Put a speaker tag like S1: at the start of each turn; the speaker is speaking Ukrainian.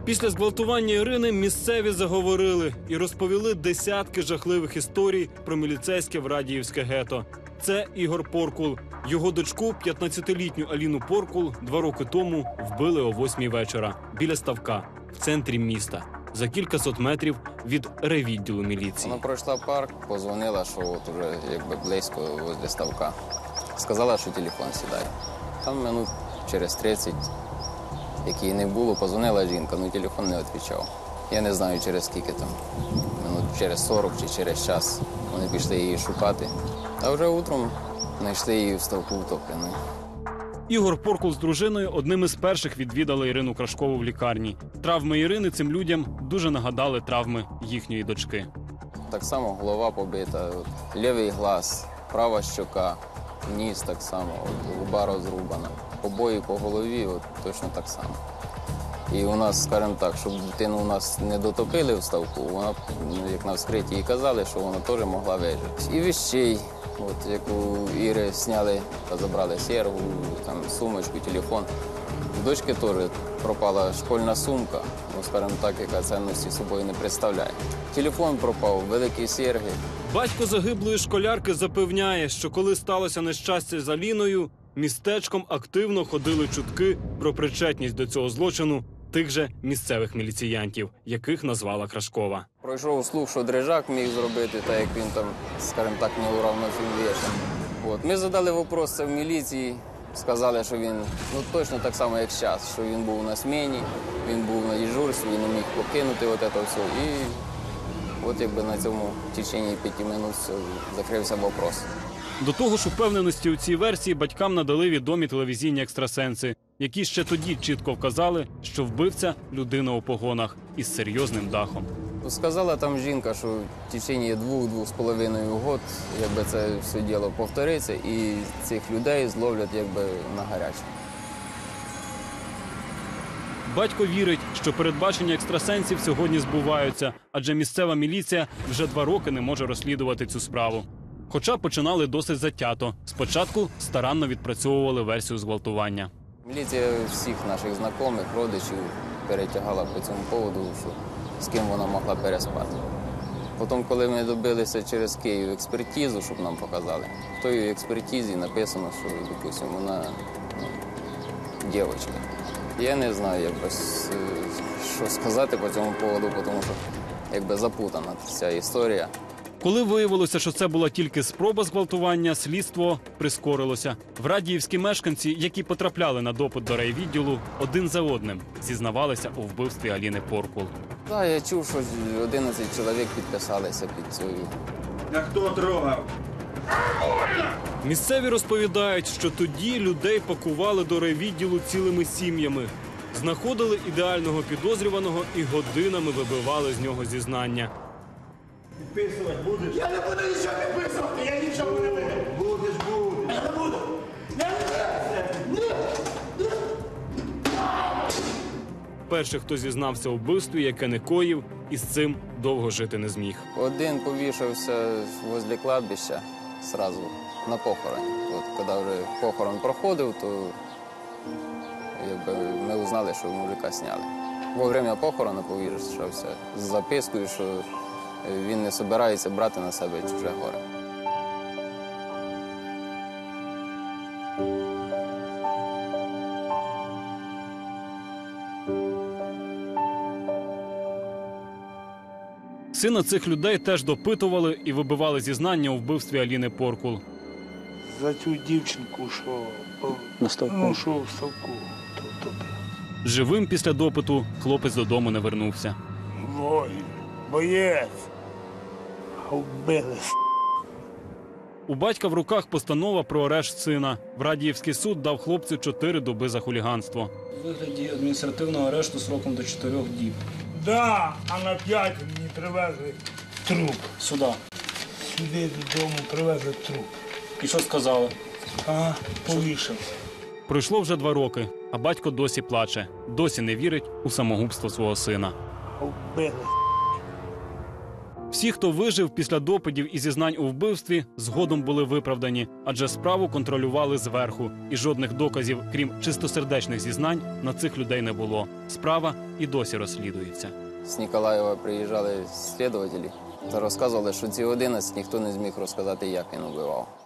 S1: Після зґвалтування Ірини місцеві заговорили і розповіли десятки жахливих історій про міліцейське Врадіївське гето. Це Ігор Поркул. Його дочку, 15-літню Аліну Поркул, 2 роки тому вбили о 8-й вечора біля ставка в центрі міста, за кількасот метрів від райвідділу міліції.
S2: Вона пройшла парк, позвонила, що от уже якби близько возле ставка. Сказала, що телефон сідає. Там минут через 30, як її не було, позвонила жінка, але телефон не відповідав. Я не знаю, через скільки там, минут через 40 чи через час вони пішли її шукати. А вже утром знайшли її в ставку втопленою.
S1: Ігор Поркул з дружиною одним із перших відвідали Ірину Крашкову в лікарні. Травми Ірини цим людям дуже нагадали травми їхньої дочки.
S2: Так само голова побита, лівий глаз, права щока, ніс так само, губа розрубана. Побої по голові точно так само. І у нас, скажімо так, щоб дитину у нас не дотопили в ставку, вона, як на вскритті і казали, що вона теж могла вижити. І вещей, як у Іри зняли та забрали серву, там, сумочку, телефон. У дочки теж пропала школьна сумка, скажімо так, яка цінності собою не представляє. Телефон пропав, великі серги.
S1: Батько загиблої школярки запевняє, що коли сталося нещастя з Аліною, містечком активно ходили чутки про причетність до цього злочину тих же місцевих міліціянтів, яких назвала Крашкова.
S2: Пройшов слух, що Дрижак міг зробити, так як він там, скажімо так, неуравновіший. Ми задали питання це в міліції, сказали, що він точно так само, як зараз, що він був на зміні, він був на дежурстві, він не міг покинути це все. І якби на цьому в течение 5 минут закрився вопрос.
S1: До того ж, упевненості у цій версії батькам надали відомі телевізійні екстрасенси, які ще тоді чітко вказали, що вбивця – людина у погонах із серйозним дахом.
S2: Сказала там жінка, що в течение 2–2,5 років якби це все діло повториться і цих людей зловлять якби на гарячому.
S1: Батько вірить, що передбачення екстрасенсів сьогодні збуваються, адже місцева міліція вже 2 роки не може розслідувати цю справу. Хоча починали досить затято. Спочатку старанно відпрацьовували версію зґвалтування.
S2: Міліція всіх наших знайомих, родичів перетягала по цьому поводу, що з ким вона могла переспати. Потім, коли ми добилися через Київ експертизу, щоб нам показали, в тій експертизі написано, що, допустимо, вона дівчинка. Я не знаю, що сказати по цьому поводу, тому що якби запутана ця історія.
S1: Коли виявилося, що це була тільки спроба зґвалтування, слідство прискорилося. Врадіївські мешканці, які потрапляли на допит до райвідділу, один за одним зізнавалися у вбивстві Аліни Поркул.
S2: Так, я чув, що 11 чоловік підписалися під цю.
S3: А хто трогав?
S1: Місцеві розповідають, що тоді людей пакували до райвідділу цілими сім'ями. Знаходили ідеального підозрюваного і годинами вибивали з нього зізнання.
S3: Підписувати будеш?
S4: Я не буду нічого підписувати, я нічого не буду.
S3: Будеш.
S4: Я не буду.
S1: Перший, хто зізнався у вбивстві, яке не коїв, і з цим довго жити не зміг.
S2: Один повішався возле кладбища одразу на похороні. Коли вже похорон проходив, то ми узнали, що мужика зняли. Во время похорону повішався з запискою, що він не збирається брати на себе чуже горе.
S1: Сина цих людей теж допитували і вибивали зізнання у вбивстві Аліни Поркул.
S5: За цю дівчинку, що в ставку.
S1: Живим після допиту хлопець додому не вернувся.
S5: Воїн, боєць, а вбили.
S1: У батька в руках постанова про арешт сина. Врадіївський суд дав хлопцю 4 доби за хуліганство.
S6: У вигляді адміністративного арешту сроком до 4 діб.
S5: Да, а на 5 мені привезли труп.
S6: Сюди.
S5: Сюди додому привезли труп.
S6: І що сказали?
S5: Повішався.
S1: Пройшло вже 2 роки, а батько досі плаче. Досі не вірить у самогубство свого сина.
S5: Вбили.
S1: Всі, хто вижив після допитів і зізнань у вбивстві, згодом були виправдані, адже справу контролювали зверху. І жодних доказів, крім чистосердечних зізнань, на цих людей не було. Справа і досі розслідується.
S2: З Ніколаєва приїжджали слідувателі та розказували, що ці 11 ніхто не зміг розказати, як він убивав.